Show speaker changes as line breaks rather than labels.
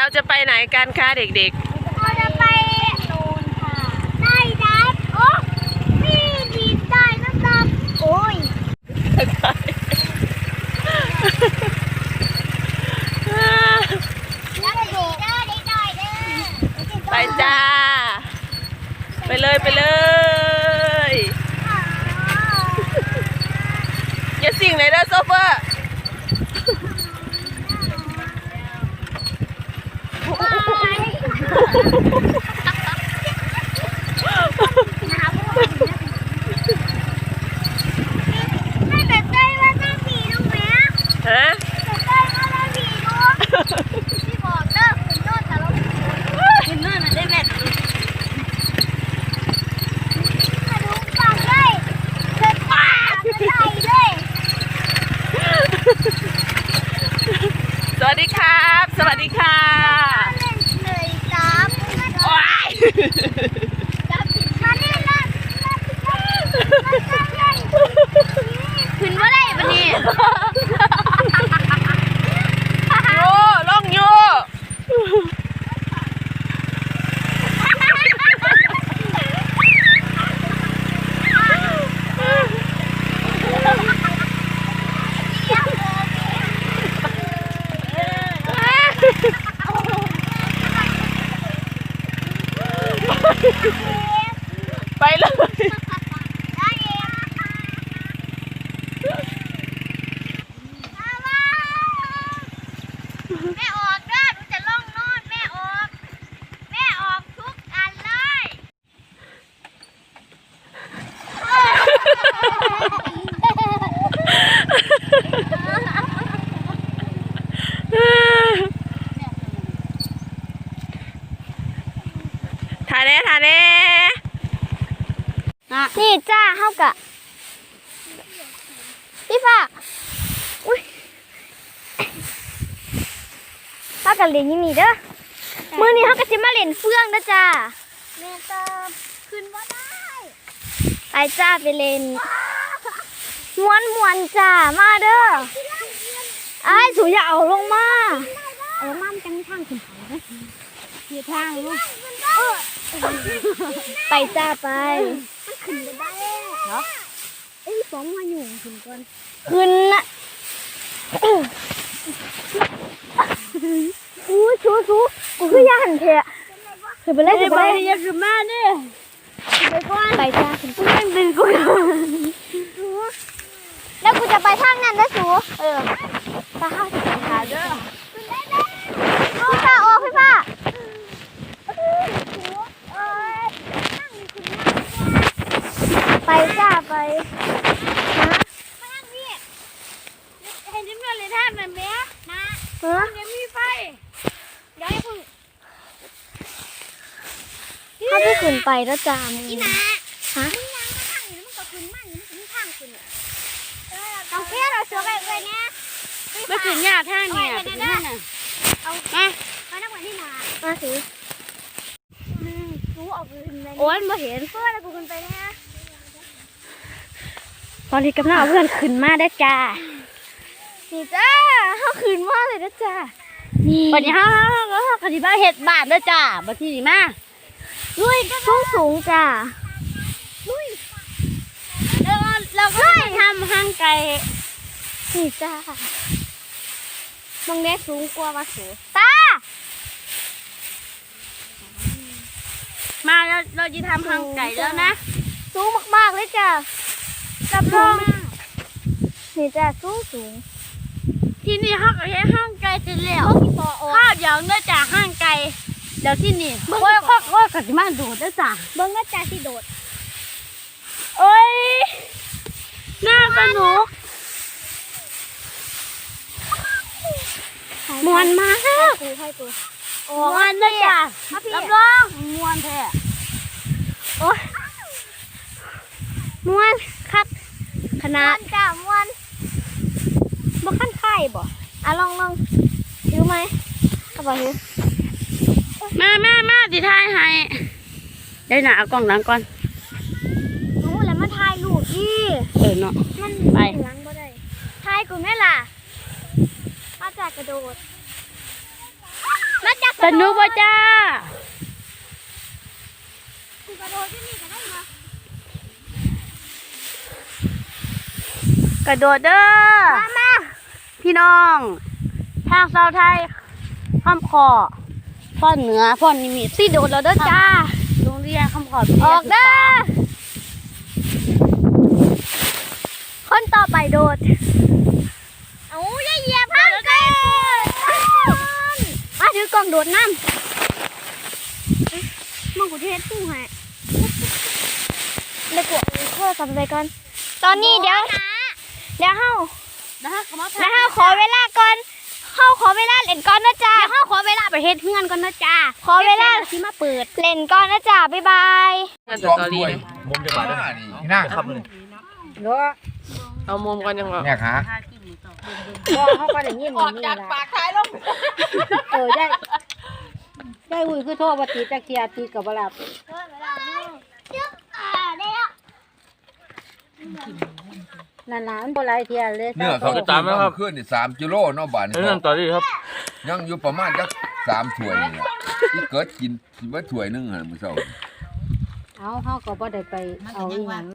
จะไปไหนกันคะเด็ก
ๆเราจะไปโน่นค่ะได้ดับโอ้พี่ดีได้นะดับโอ้ย
ไปจ้าไปเลยไปเลยอย่าสิ่งเลยนะโซเฟอร์ฮะสวัสดีครับสวัสดีค่ะ
ขึ้นว่าได้ปะเนี่ย
โยล่องโยไปเลย
แม่ออกเด้อหนูจะล่องโน่นแม่ออกทุกอันเลย
ถ่ายแน่ถ่ายแน่
นี่จ้าเข้ากะพี่ฝากอุ้ยเข้ากับเล่นยังนี่เด้อมือนี้เขาก็จะมาเล่นเฟื่องนะจ้าแม่เติมขึ้นว่าได้ไปจ้าไปเล่นม้วนจ้ามาเด้อไอ้สูอย่าเอาลงมามันจังทางขึ้นเขาเด้อเหยียดทางลูกไปจ้าไปขึ้นไปได้เหรอไอ้ป๋องมาอยู่ขึ้นก่อนขึ้นนะอู้ชูกูคือย่าหันเถอะขึ้นไปเลยขึ้นไปอย่าขึ้นมาเด้ไปก่อนไปจ้าขึ้นไปดึงกูแล้วกูจะไปทางนั้นนะสูตาข้าวจะขาเด้อพี่ป้าโอ้พี่ป้าไปจ้าไปนะมาทางนี้เห็นจิ้มเลยท่านแบบนี้นะเดี๋ยวมีไฟเดี๋ยวให้พึ่งถ้าได้ขึ้นไปแล้วจ้ามึงอีนะฮะมึงยังมาทางนี้มันก็ขึ้นมันมันมีทางขึ้นเอาแค่เราเสือไปเลยเนี่ย
ไม่ถึงยากท่าเนี่ยถึงท่าน่ะ
เอามานักวันที่นามาสิกูออกขึ้นเลยโอ้ยมาเห็นเพื่อนกูขึ้นไปเนี่ยตอนนี้กำลังเอาเพื่อนขึ้นมาได้จ้านี่จ้าเขาขึ้นมาเลยนะจ้า
วันนี้เขาคดีบ้าเห็ดบาทด้วยจ้าบัดที่นี่มา
ลุยสูงจ้าลุย
เราก็ทำห้างไก่
นี่จ้ามองได้สูงกว่าว่าสูงตา
มาเราจะทำห้างไก่แล้วนะ
สูงมากๆเลยจ้ารับรองนี่จ้าสูง
ที่นี่ห้างไก่ห้างไก่จะเลี้ยวข้าวเดี๋ยวเนื่องจากห้างไก่เดี๋ยวที่นี่ค่อยกติมาโดดด้วยจ้า
เบิ้งก็จ้าที่โดด
โอ้ยน่าสนุกมวนมาก
กู
มวนเลยจ้ะรับรองมวนแท้
โอ้ยมวนครับขนาดจ้ามวนบ่ขั้นไข่บ่ลองถือไหมเอาไปถือ
มาดิทายให้ได้หนาเอากล้องหลังก่อน
แล้วมาถ่ายรูปอี
เนาะ
มันไปหลังบ่ได้ถ่ายกูแม่ล่ะมาจากกระโดดมาจาก
สนุกป่ะจ้า
กูกระโดดที่นี่ก็ได้มาก
ระโดดเด้อ
มา
พี่น้องทางเซาไทยข้ามคอพ่อนเหนือพ่อนนิมิต
สิโดดแล้วเด้อจ้า
โรงเรียนข้ามคอ
ออกเด้อคนต่อไปโดดเอาอย่าเหยียบห้างไกลมาถือกล่องโดดน้ำมังกุเทศตู้ให้เด็กกว่าเพื่อทำอะไรกันตอนนี้เดี๋ยวเฮา
นะคะขอมา
แล้วเฮาขอเวลาก่อนเฮาขอเวลาเล่นก่อนนะจ๊ะ
เดี๋ยวเขาขอเวลาไปเฮ็ดเพื่อนก่อนนะจ้า
ขอเวลา
ที่มาเปิด
เล่นก่อนนะจ๊ะบ๊ายบาย
สองถ้วยมุมจะบาดนี่นั่งครับ
เอามุมกันยังไง
เนี่ยขา
ก็เขาก็ได้ยินนี่จากปากท้ายลงได้อุ้ยคือโทษว่าตีตะเคียตีกับเวลานานๆโบราณเทียเลย
เนื้อเขาจะตามครับขึ้นนี่3 กิโลเนาะบาทนี่
เรื่องต่อดีครับ
ยังอยู่ประมาณจัก3 ถ้วยนี่ล่ะที่เกิดกินว่าถ้วยนึงอ่ะมื้อเช้า
เอาเขาก็บ่ได้ไปเอาอีหยัง